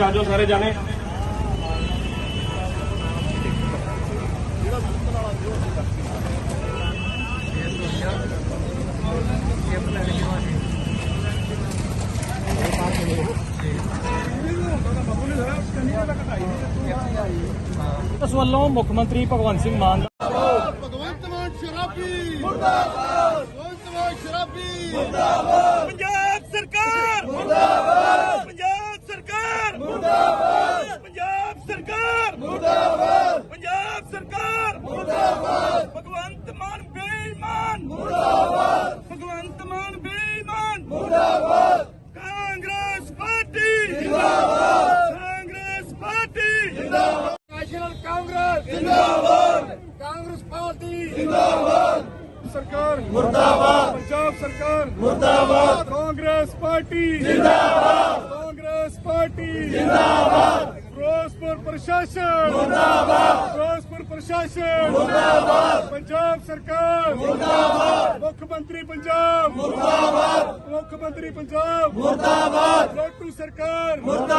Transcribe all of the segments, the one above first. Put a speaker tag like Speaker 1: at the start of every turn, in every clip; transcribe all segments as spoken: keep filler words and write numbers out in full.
Speaker 1: आ जाओ सारे जाने।
Speaker 2: ਇਸ ਵੱਲੋਂ ਮੁੱਖ ਮੰਤਰੀ ਭਗਵੰਤ ਸਿੰਘ ਮਾਨ
Speaker 3: ਭਗਵੰਤ ਮਾਨ ਸ਼ਰਾਬੀ ਮੁਰਦਾਬਾਦ, ਭਗਵੰਤ ਮਾਨ ਸ਼ਰਾਬੀ ਮੁਰਦਾਬਾਦ,
Speaker 4: ਪੰਜਾਬ ਸਰਕਾਰ ਮੁਰਦਾਬਾਦ, ਪੰਜਾਬ ਸਰਕਾਰ ਮੁਰਦਾਬਾਦ, ਪੰਜਾਬ ਸਰਕਾਰ ਮੁਰਦਾਬਾਦ, ਪੰਜਾਬ ਸਰਕਾਰ ਮੁਰਦਾਬਾਦ, ਭਗਵੰਤ ਮਾਨ ਬੇਈਮਾਨ ਮੁਰਦਾਬਾਦ, ਭਗਵੰਤ ਮਾਨ ਬੇਈਮਾਨ ਮੁਰਦਾਬਾਦ, ਕਾਂਗਰਸ ਪਾਰਟੀ ਜਿੰਦਾਬਾਦ, ਕਾਂਗਰਸ ਪਾਰਟੀ ਜਿੰਦਾਬਾਦ,
Speaker 3: ਨੈਸ਼ਨਲ ਕਾਂਗਰਸ
Speaker 4: ਜਿੰਦਾਬਾਦ,
Speaker 3: ਕਾਂਗਰਸ ਪਾਰਟੀ
Speaker 4: ਜਿੰਦਾਬਾਦ,
Speaker 3: ਸਰਕਾਰ
Speaker 4: ਮੁਰਦਾਬਾਦ,
Speaker 3: ਪੰਜਾਬ ਸਰਕਾਰ
Speaker 4: ਮੁਰਦਾਬਾਦ,
Speaker 3: ਕਾਂਗਰਸ ਪਾਰਟੀ
Speaker 4: ਜਿੰਦਾਬਾਦ,
Speaker 3: ਕਾਂਗਰਸ ਪਾਰਟੀ
Speaker 4: ਜਿੰਦਾਬਾਦ,
Speaker 3: ਫਿਰੋਜ਼ਪੁਰ ਪ੍ਰਸ਼ਾਸਨ
Speaker 4: ਮੁਰਦਾਬਾਦ,
Speaker 3: ਫਿਰੋਜ਼ਪੁਰ ਪ੍ਰਸ਼ਾਸਨ
Speaker 4: ਮੁਰਦਾਬਾਦ,
Speaker 3: ਪੰਜਾਬ ਸਰਕਾਰ
Speaker 4: ਮੁਰਦਾਬਾਦ,
Speaker 3: ਮੁੱਖ ਮੰਤਰੀ ਪੰਜਾਬ
Speaker 4: ਮੁਰਦਾਬਾਦ,
Speaker 3: ਮੁੱਖ ਮੰਤਰੀ ਪੰਜਾਬ
Speaker 4: ਮੁਰਦਾਬਾਦ,
Speaker 3: ਲੋਟੂ ਸਰਕਾਰ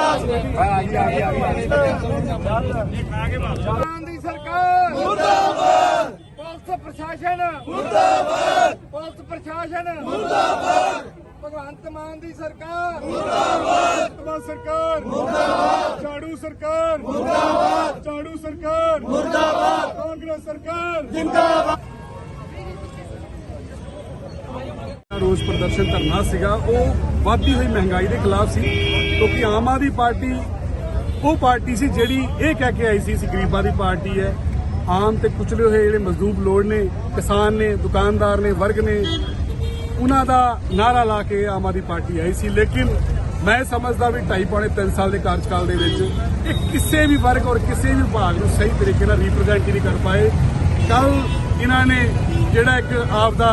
Speaker 3: ਮਾਨ ਦੀ ਸਰਕਾਰ
Speaker 4: ਮੁਰਦਾਬਾਦ,
Speaker 3: ਪੁਲਿਸ ਪ੍ਰਸ਼ਾਸਨ
Speaker 4: ਮੁਰਦਾਬਾਦ,
Speaker 3: ਪੁਲਿਸ ਪ੍ਰਸ਼ਾਸਨ
Speaker 4: ਮੁਰਦਾਬਾਦ,
Speaker 3: ਭਗਵੰਤ ਮਾਨ ਦੀ ਸਰਕਾਰ
Speaker 4: ਮੁਰਦਾਬਾਦ,
Speaker 3: ਭਗਵੰਤ ਸਰਕਾਰ ਮੁਰਦਾਬਾਦ, ਝਾੜੂ ਸਰਕਾਰ
Speaker 4: ਮੁਰਦਾਬਾਦ,
Speaker 3: ਝਾੜੂ ਸਰਕਾਰ
Speaker 4: ਮੁਰਦਾਬਾਦ,
Speaker 3: ਕਾਂਗਰਸ ਸਰਕਾਰ
Speaker 4: ਜਿੰਦਾਬਾਦ।
Speaker 5: ਰੋਸ ਪ੍ਰਦਰਸ਼ਨ ਧਰਨਾ ਸੀਗਾ ਉਹ ਵੱਧਦੀ ਹੋਈ ਮਹਿੰਗਾਈ ਦੇ ਖਿਲਾਫ ਸੀ, ਕਿਉਂਕਿ ਆਮ ਆਦਮੀ ਪਾਰਟੀ ਉਹ ਪਾਰਟੀ ਸੀ ਜਿਹੜੀ ਇਹ ਕਹਿ ਕੇ ਆਈ ਸੀ ਅਸੀਂ ਗਰੀਬਾਂ ਦੀ ਪਾਰਟੀ ਹੈ। ਆਮ ਤੇ ਕੁਚਲੇ ਹੋਏ ਜਿਹੜੇ ਮਜ਼ਦੂਰ ਲੋੜ ਨੇ, ਕਿਸਾਨ ਨੇ, ਦੁਕਾਨਦਾਰ ਨੇ, ਵਰਗ ਨੇ, ਉਹਨਾਂ ਦਾ ਨਾਰਾ ਲਾ ਕੇ ਆਮ ਆਦਮੀ ਪਾਰਟੀ ਆਈ ਸੀ। ਲੇਕਿਨ ਮੈਂ ਸਮਝਦਾ ਵੀ ਢਾਈ ਪੌਣੇ ਤਿੰਨ ਸਾਲ ਦੇ ਕਾਰਜਕਾਲ ਦੇ ਵਿੱਚ ਇਹ ਕਿਸੇ ਵੀ ਵਰਗ ਔਰ ਕਿਸੇ ਵੀ ਵਿਭਾਗ ਨੂੰ ਸਹੀ ਤਰੀਕੇ ਨਾਲ ਰਿਪਰੈਜ਼ੈਂਟ ਨਹੀਂ ਕਰ ਪਾਏ। ਕੱਲ ਇਹਨਾਂ ਨੇ ਜਿਹੜਾ ਇੱਕ ਆਪ ਦਾ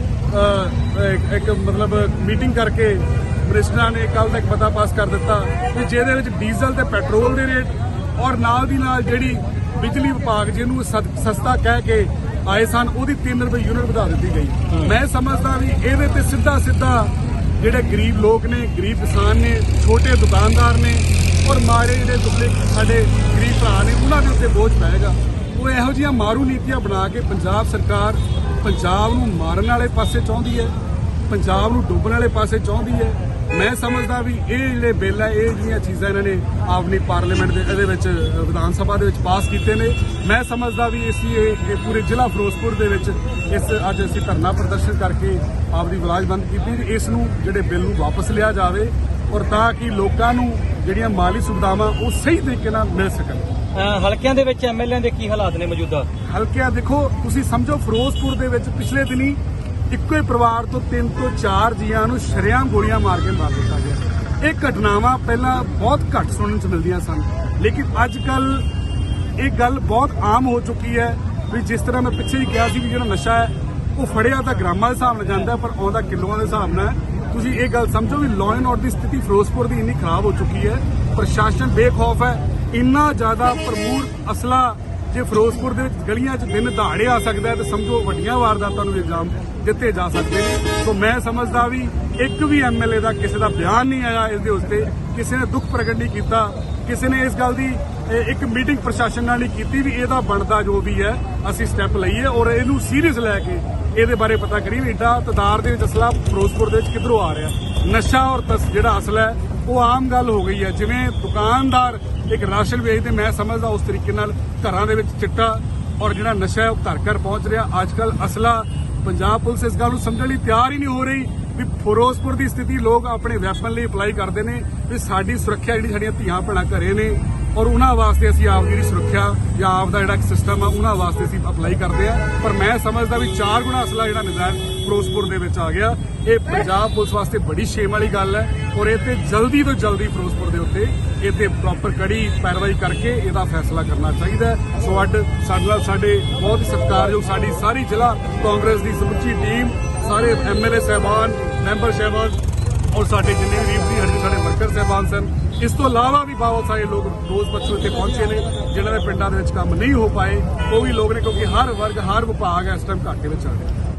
Speaker 5: ਇੱਕ ਮਤਲਬ ਮੀਟਿੰਗ ਕਰਕੇ ਮਿਨਿਸਟਰਾਂ ਨੇ ਕੱਲ ਤੱਕ ਪਤਾ ਪਾਸ ਕਰ ਦਿੱਤਾ ਕਿ ਜਿਹਦੇ ਵਿੱਚ ਡੀਜ਼ਲ ਤੇ ਪੈਟਰੋਲ ਦੇ ਰੇਟ ਔਰ ਨਾਲ ਦੀ ਨਾਲ ਜਿਹੜੀ ਬਿਜਲੀ ਵਿਭਾਗ ਜਿਹਨੂੰ ਸਸਤਾ ਕਹਿ ਕੇ ਆਏ ਸਨ ਉਹਦੀ ਤਿੰਨ ਰੁਪਏ ਯੂਨਿਟ ਵਧਾ ਦਿੱਤੀ ਗਈ। ਮੈਂ ਸਮਝਦਾ ਵੀ ਇਹਦੇ ਤੇ ਸਿੱਧਾ ਸਿੱਧਾ ਜਿਹੜੇ ਗਰੀਬ ਲੋਕ ਨੇ, ਗਰੀਬ ਕਿਸਾਨ ਨੇ, ਛੋਟੇ ਦੁਕਾਨਦਾਰ ਨੇ ਔਰ ਮਾਰੇ ਜਿਹੜੇ ਦੁਸਰੇ ਸਾਡੇ ਗਰੀਬ ਭਰਾ ਨੇ ਉਹਨਾਂ ਦੇ ਉੱਤੇ ਬੋਝ ਪਏਗਾ। ਉਹ ਇਹੋ ਜਿਹੀਆਂ ਮਾਰੂ ਨੀਤੀਆਂ ਬਣਾ ਕੇ ਪੰਜਾਬ ਸਰਕਾਰ ਪੰਜਾਬ ਨੂੰ ਮਾਰਨ ਵਾਲੇ ਪਾਸੇ ਚਾਹੁੰਦੀ ਹੈ, ਪੰਜਾਬ ਨੂੰ ਡੁੱਬਣ ਵਾਲੇ ਪਾਸੇ ਚਾਹੁੰਦੀ ਹੈ। ਮੈਂ ਸਮਝਦਾ ਵੀ ਇਹ ਜਿਹੜੇ ਬਿੱਲ ਹੈ, ਇਹ ਜਿਹੜੀਆਂ ਚੀਜ਼ਾਂ ਇਹਨਾਂ ਨੇ ਆਪਣੀ ਪਾਰਲੀਮੈਂਟ ਦੇ ਇਹਦੇ ਵਿੱਚ ਵਿਧਾਨ ਸਭਾ ਦੇ ਵਿੱਚ ਪਾਸ ਕੀਤੇ ਨੇ, ਮੈਂ ਸਮਝਦਾ ਵੀ ਅਸੀਂ ਇਹ ਪੂਰੇ ਜ਼ਿਲ੍ਹਾ ਫਿਰੋਜ਼ਪੁਰ ਦੇ ਵਿੱਚ ਇਸ ਅੱਜ ਅਸੀਂ ਧਰਨਾ ਪ੍ਰਦਰਸ਼ਨ ਕਰਕੇ ਆਪਦੀ ਆਵਾਜ਼ ਬੰਦ ਕੀਤੀ। ਇਸ ਨੂੰ ਜਿਹੜੇ ਬਿੱਲ ਨੂੰ ਵਾਪਸ ਲਿਆ ਜਾਵੇ ਔਰ ਤਾਂ ਕਿ ਲੋਕਾਂ ਨੂੰ ਜਿਹੜੀਆਂ ਮਾਲੀ ਸੁਵਿਧਾਵਾਂ ਉਹ ਸਹੀ ਤਰੀਕੇ ਨਾਲ ਮਿਲ ਸਕਣ।
Speaker 2: ਹਲਕਿਆਂ ਦੇ ਵਿੱਚ ਐਮਐਲਏ ਦੇ ਕੀ ਹਾਲਾਤ ਨੇ ਮੌਜੂਦਾ?
Speaker 5: ਹਲਕਿਆਂ ਦੇਖੋ, ਤੁਸੀਂ ਸਮਝੋ ਫਿਰੋਜ਼ਪੁਰ ਦੇ ਵਿੱਚ ਪਿਛਲੇ ਦਿਨੀ ਇੱਕੋ ਹੀ ਪਰਿਵਾਰ ਤੋਂ ਤਿੰਨ ਤੋਂ ਚਾਰ ਜੀਆਂ ਨੂੰ ਸ਼ਰੇਆਮ ਗੋਲੀਆਂ ਮਾਰ ਕੇ ਮਾਰ ਦਿੱਤਾ ਗਿਆ। ਇਹ ਘਟਨਾਵਾਂ ਪਹਿਲਾਂ ਬਹੁਤ ਘੱਟ ਸੁਣਨ ਚ ਮਿਲਦੀਆਂ ਸਨ, ਲੇਕਿਨ ਅੱਜ ਕੱਲ ਇਹ ਗੱਲ ਬਹੁਤ ਆਮ ਹੋ ਚੁੱਕੀ ਹੈ ਵੀ ਜਿਸ ਤਰ੍ਹਾਂ ਮੈਂ ਪਿੱਛੇ ਹੀ ਕਿਹਾ ਸੀ ਵੀ ਜਿਹੜਾ ਨਸ਼ਾ ਹੈ ਉਹ ਫੜਿਆ ਤਾਂ ਗ੍ਰਾਮਾਂ ਦੇ ਹਿਸਾਬ ਨਾਲ ਜਾਂਦਾ ਪਰ ਆਉਂਦਾ ਕਿਲੋਆਂ ਦੇ ਹਿਸਾਬ ਨਾਲ। ਤੁਸੀਂ ਇਹ ਗੱਲ ਸਮਝੋ ਵੀ ਲਾਅ ਐਂਡ ਆਰਡਰ ਦੀ ਸਥਿਤੀ ਫਿਰੋਜ਼ਪੁਰ ਦੀ ਇੰਨੀ ਖਰਾਬ ਹੋ ਚੁੱਕੀ ਹੈ, ਪ੍ਰਸ਼ਾਸਨ ਬੇਖੌਫ ਹੈ। ਇੰਨਾ ਜ਼ਿਆਦਾ ਪ੍ਰਮੂਰ ਅਸਲਾ ਜੇ ਫਿਰੋਜ਼ਪੁਰ ਦੇ ਵਿੱਚ ਗਲੀਆਂ 'ਚ ਦਿਨ ਦਹਾੜੇ ਆ ਸਕਦਾ ਹੈ ਤਾਂ ਸਮਝੋ ਵੱਡੀਆਂ ਵਾਰਦਾਤਾਂ ਨੂੰ ਇਲਜ਼ਾਮ ਦਿੱਤੇ ਜਾ ਸਕਦੇ ਨੇ। ਸੋ ਮੈਂ ਸਮਝਦਾ ਵੀ ਇੱਕ ਵੀ ਐਮਐਲਏ ਦਾ ਕਿਸੇ ਦਾ ਬਿਆਨ ਨਹੀਂ ਆਇਆ ਇਸ ਦੇ ਉੱਤੇ, ਕਿਸੇ ਨੇ ਦੁੱਖ ਪ੍ਰਗਟ ਨਹੀਂ ਕੀਤਾ, ਕਿਸੇ ਨੇ ਇਸ ਗੱਲ ਦੀ ਇੱਕ ਮੀਟਿੰਗ ਪ੍ਰਸ਼ਾਸਨ ਨਾਲ ਨਹੀਂ ਕੀਤੀ ਵੀ ਇਹਦਾ ਬਣਦਾ ਜੋ ਵੀ ਹੈ ਅਸੀਂ ਸਟੈਪ ਲਈਏ ਔਰ ਇਹਨੂੰ ਸੀਰੀਅਸ ਲੈ ਕੇ ਇਹਦੇ ਬਾਰੇ ਪਤਾ ਕਰੀਏ ਵੀ ਏਡਾ ਤਦਾਰ ਦੇ ਵਿੱਚ ਅਸਲਾ ਫਿਰੋਜ਼ਪੁਰ ਦੇ ਵਿੱਚ ਕਿੱਧਰੋਂ ਆ ਰਿਹਾ। ਨਸ਼ਾ ਔਰ ਜਿਹੜਾ ਅਸਲਾ ਹੈ ਉਹ ਆਮ ਗੱਲ ਹੋ ਗਈ ਹੈ। ਜਿਵੇਂ ਦੁਕਾਨਦਾਰ ਇੱਕ ਰਾਸ਼ਨ ਵੇਚਦੇ, ਮੈਂ ਸਮਝਦਾ ਉਸ ਤਰੀਕੇ ਨਾਲ ਘਰਾਂ ਦੇ ਵਿੱਚ ਚਿੱਟਾ ਔਰ ਜਿਹੜਾ ਨਸ਼ਾ ਹੈ ਉਹ ਘਰ ਘਰ ਪਹੁੰਚ ਰਿਹਾ। ਅੱਜ ਕੱਲ ਅਸਲਾ ਪੰਜਾਬ ਪੁਲਿਸ ਇਸ ਗੱਲ ਨੂੰ ਸਮਝਣ ਲਈ ਤਿਆਰ ਹੀ ਨਹੀਂ ਹੋ ਰਹੀ ਵੀ ਫਿਰੋਜ਼ਪੁਰ ਦੀ ਸਥਿਤੀ ਲੋਕ ਆਪਣੇ ਵੈਪਨ ਲਈ ਅਪਲਾਈ ਕਰਦੇ ਨੇ ਵੀ ਸਾਡੀ ਸੁਰੱਖਿਆ ਜਿਹੜੀ ਸਾਡੀਆਂ ਧੀਆਂ ਭੈਣਾਂ ਘਰੇ ਨੇ ਔਰ ਉਹਨਾਂ ਵਾਸਤੇ ਅਸੀਂ ਆਪ ਦੀ ਸੁਰੱਖਿਆ ਜਾਂ ਆਪ ਦਾ ਜਿਹੜਾ ਸਿਸਟਮ ਆ ਉਹਨਾਂ ਵਾਸਤੇ ਅਸੀਂ ਅਪਲਾਈ ਕਰਦੇ ਆ। ਪਰ ਮੈਂ ਸਮਝਦਾ ਵੀ ਚਾਰ ਗੁਣਾ ਅਸਲਾ ਜਿਹੜਾ ਨਜਾਇਜ਼ ਫਿਰੋਜ਼ਪੁਰ ਦੇ ਵਿੱਚ ਆ ਗਿਆ, ਇਹ ਪੰਜਾਬ ਪੁਲਿਸ ਵਾਸਤੇ ਬੜੀ ਸ਼ੇਮ ਵਾਲੀ ਗੱਲ ਹੈ ਔਰ ਇਹ ਤੇ ਜਲਦੀ ਤੋਂ ਜਲਦੀ ਫਿਰੋਜ਼ਪੁਰ ਦੇ ਉੱਤੇ ਇਹ ਤੇ ਪ੍ਰੋਪਰ ਕੜੀ ਪੈਰਵਾਈ ਕਰਕੇ ਇਹਦਾ ਫੈਸਲਾ ਕਰਨਾ ਚਾਹੀਦਾ। ਸੋ ਅੱਡ ਸਾਡੇ ਨਾਲ ਸਾਡੇ ਬਹੁਤ ਹੀ ਸਤਿਕਾਰਯੋਗ ਸਾਡੀ ਸਾਰੀ ਜ਼ਿਲ੍ਹਾ ਕਾਂਗਰਸ ਦੀ ਸਮੁੱਚੀ ਟੀਮ, ਸਾਰੇ ਐਮਐਲਏ ਸਾਹਿਬਾਨ, ਮੈਂਬਰ ਸਾਹਿਬਾਨ ਔਰ ਸਾਡੇ ਜਿੰਨੇ ਵੀ ਰੀਪੀ ਹਰਜੀ ਸਾਡੇ ਵਰਕਰ ਸਾਹਿਬਾਨ ਸਨ, ਇਸ ਤੋਂ ਇਲਾਵਾ ਵੀ ਬਹੁਤ ਸਾਰੇ ਲੋਕ ਰੋਜ਼ ਪੱਛੋਂ ਇੱਥੇ ਪਹੁੰਚੇ ਨੇ ਜਿਨ੍ਹਾਂ ਦੇ ਪਿੰਡਾਂ ਦੇ ਵਿੱਚ ਕੰਮ ਨਹੀਂ ਹੋ ਪਾਏ, ਉਹ ਵੀ ਲੋਕ ਨੇ ਕਿਉਂਕਿ ਹਰ ਵਰਗ ਹਰ ਵਿਭਾਗ ਇਸ ਟਾਈਮ ਘਾਟੇ ਵਿੱਚ ਆ ਰਿਹਾ।